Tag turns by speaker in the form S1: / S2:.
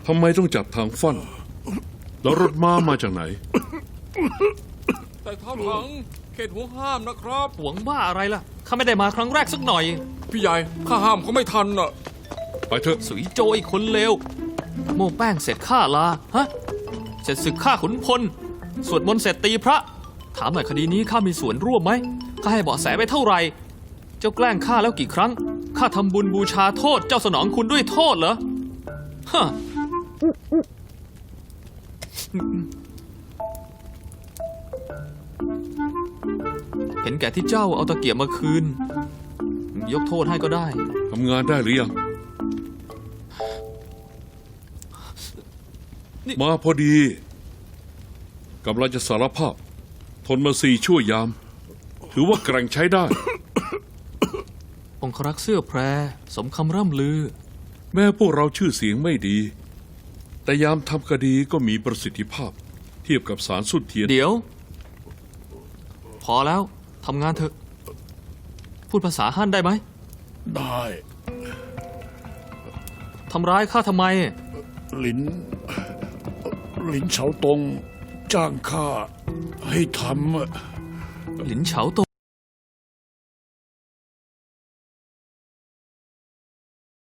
S1: ทำไมต้องจับทางฟั่นแล้วรถม้ามาจากไหน
S2: แต่เท่าถังเขตห่วงห้ามนะครับ
S3: หวงบ้าอะไรล่ะข้าไม่ได้มาครั้งแรกสักหน่อย
S2: พี่ใหญ่ข้าห้ามเขาไม่ทันอ่ะ
S1: ไปเถอะ
S3: สุยโจยคนเลวโม่แป้งเสร็จฆ่าลาฮะเสร็จศึกฆ่าขุนพลสวดมนต์เสร็จตีพระถามหน่อยคดีนี้ข้ามีส่วนร่วมไหมข้าให้เบาะแสไปเท่าไหร่เจ้าแกล้งข้าแล้วกี่ครั้งข้าทำบุญบูชาโทษเจ้าสนองคุณด้วยโทษเหรอฮะเห็นแก่ที่เจ้าเอาตะเกียบมาคืนยกโทษให้ก็ได้
S1: ทำงานได้หรือยังมาพอดีกำลังจะสารภาพทนมา4 ชั่วยามถือว่าแกร่งใช้ได้
S3: องครักษ์เสื้อแพรสมคำร่ำลือ
S1: แม้พวกเราชื่อเสียงไม่ดีแต่ยามทำคดีก็มีประสิทธิภาพเทียบกับสารสุดเทียน
S3: เดี๋ยวพอแล้วทำงานเถอะพูดภาษาฮั่นได้ไหม
S4: ได้
S3: ทำร้ายข้าทำไม
S4: หลินเฉาตงจ้างข้าให้ทำ
S3: หลินเฉาตง